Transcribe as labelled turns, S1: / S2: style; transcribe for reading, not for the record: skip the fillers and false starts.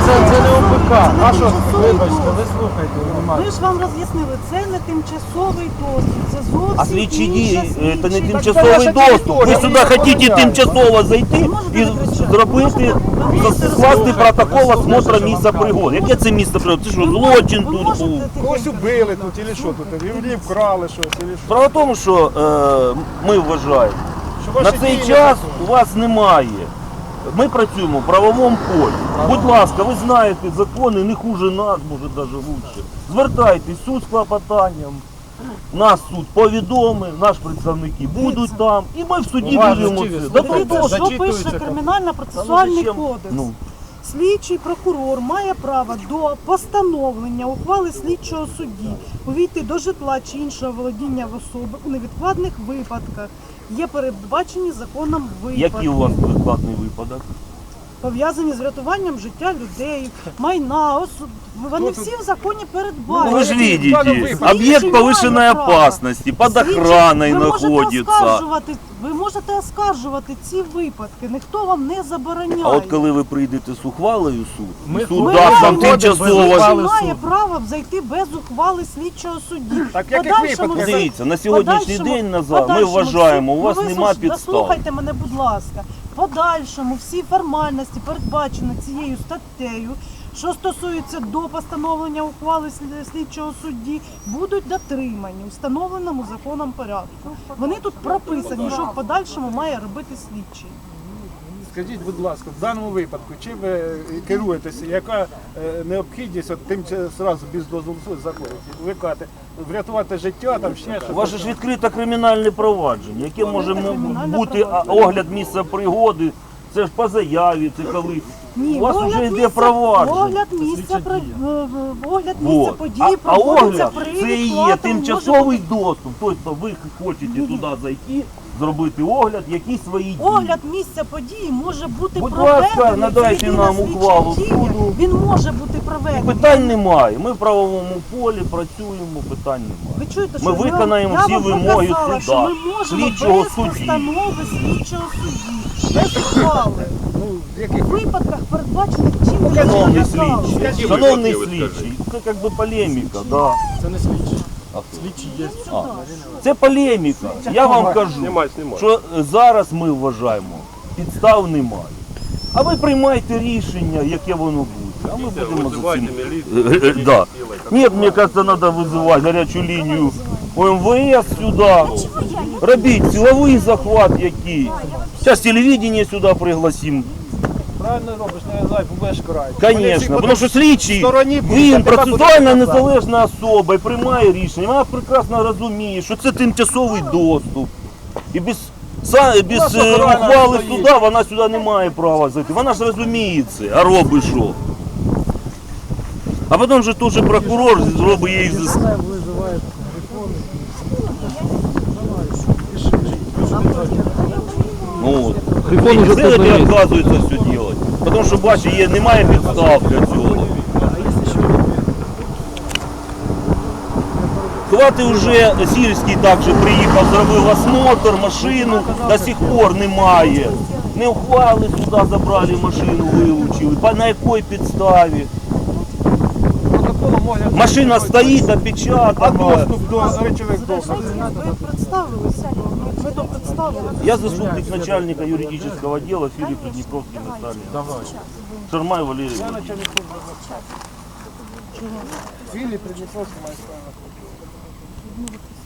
S1: це не ОПК. А що, вибачте, ви слухайте,
S2: Ми ж вам роз'яснили, це не тимчасовий доступ, це зовсім
S3: А слідчі
S2: інша
S3: дії
S2: слідча
S3: це не
S2: дія.
S3: тимчасовий доступ. Ви сюди хочете тимчасово зайти і зробити, скласти протокол осмотру місця пригоди. Яке це місце пригоди? Це що, злочин
S2: Ви
S3: тут
S2: можете
S3: був?
S1: Когось убили тут, чи що тут? Люди вкрали щось, чи що?
S3: Справа в тому, що ми вважаємо,
S1: Що
S3: на
S1: ваші
S3: цей
S1: дії
S3: час
S1: не
S3: у вас немає. Ми працюємо в правовому полі. Будь ласка, ви знаєте закони не хуже нас, може навіть краще. Звертайтесь, суд з клопотанням. Нас суд повідомив, наші представники будуть там, і ми в суді будемо це. Да,
S2: Дивіться, що
S1: зачитується
S2: пише
S1: там.
S2: Кримінально-процесуальний
S3: Та ну,
S2: кодекс.
S3: ну.
S2: Слідчий прокурор має право до постановлення ухвали слідчого судді увійти до житла чи іншого володіння в особи у невідкладних випадках. Є передбачені законом випадки,
S3: Який у вас прикладний випадок?
S2: пов'язані з врятуванням життя людей, майна, вони всі в законі передбачені.
S3: Ну, вы же видите,
S1: випадок.
S3: объект повышенной опасности, под охраной находится.
S2: Ви можете оскаржувати ці випадки, ніхто вам не забороняє.
S3: А от коли ви прийдете з ухвалою в суд,
S1: Ми
S3: суд
S2: Ми
S3: дасть вам
S2: маємо
S3: тимчасово.
S1: ухвали
S2: має
S1: суду.
S2: право зайти без ухвали слідчого судді.
S1: Так в яких випадках?
S3: Дивіться, на сьогоднішній день назад ми вважаємо, у вас нема підстав.
S2: Слухайте мене, будь ласка. В подальшому всі формальності передбачені цією статтею, що стосується до постановлення ухвали слідчого судді, будуть дотримані у встановленому законом порядку. Вони тут прописані, що в подальшому має робити слідчий.
S1: Скажіть, будь ласка, в даному випадку, чим ви керуєтеся, яка необхідність от тим зразу без дозволу суду заходити? Ви кажете, врятувати життя, там ще
S3: У
S1: щось.
S3: вас же ж відкрите кримінальне провадження, яке може
S2: кримінальне
S3: бути
S2: провадження.
S3: огляд місця пригоди, це ж по заяві, це коли.
S2: Ні,
S3: У вас
S2: огляд
S3: вже йде
S2: місця-
S3: провадження.
S2: Огляд місця
S3: Вот.
S2: події
S3: А
S2: проводиться
S3: огляд
S2: при
S3: це і є
S2: відкладеному,
S3: тимчасовий доступ. Тобто ви хочете туди зайти, зробити огляд, якісь свої дії.
S2: Огляд місця події може бути
S3: Будь
S2: проведений.
S3: ласка, надайте
S2: це єдина
S3: нам
S2: слідча
S3: ухвалу
S2: дія.
S3: суду.
S2: Він може бути проведений.
S3: Питань немає. Ми в правовому полі працюємо, питань немає.
S2: Ви чуєте,
S3: Ми
S2: що
S3: виконаємо
S2: я
S3: всі
S2: вам
S3: вимоги
S2: показала,
S3: суда,
S2: що ми можемо
S3: слідчого
S2: без
S3: судді.
S2: постанови слідчого судді, без ухвали.
S1: Ну, в
S2: У
S1: яких
S2: випадках передбачених чим
S3: Шановний
S2: законом.
S3: слідчий, шановний слідчий, це як би полеміка, да.
S1: Це не слідчі. Слідчі є.
S3: Це полеміка. Я вам кажу, що зараз ми вважаємо, підстав немає. А ви приймайте рішення, яке воно буде. А ми будемо за цим. Да. Ні, мені кажется, треба визивати гарячу лінію ОМВС сюди. Робіть силовий захват який. Зараз телевидение сюди пригласимо.
S1: Правильно робиш, не знаю, будеш карати.
S3: Звісно, тому що слідчий,
S1: стороні будуть, а
S3: він
S1: тебе
S3: процесуально
S1: будуть
S3: незалежна особа і приймає рішення. Вона прекрасно розуміє, що це тимчасовий доступ. І без ухвали суда вона сюди не має права зайти. Вона ж розуміє це, а робить що. А потім же той же прокурор зробить їй ну, от.
S4: Телефон уже
S3: Це
S4: тут
S3: не
S4: є.
S3: відказується все робити. Тому що, бачите, немає підстав для цього. Хвати вже сільський також приїхав, зробив осмотр, машину, до сих пор немає. Не ухвали сюди, забрали машину, вилучили. На якій підставі?
S1: протоколом огляду.
S3: Машина стоїть,
S1: А
S3: опечатана.
S1: доступ до речових доказів.
S2: Ви представилися. Ви то представили.
S3: Я заступник начальника юридического отдела Филипп Приднепровский Наталья. Шармай Валерий Владимирович.
S1: Філіп Придніпровський має справу.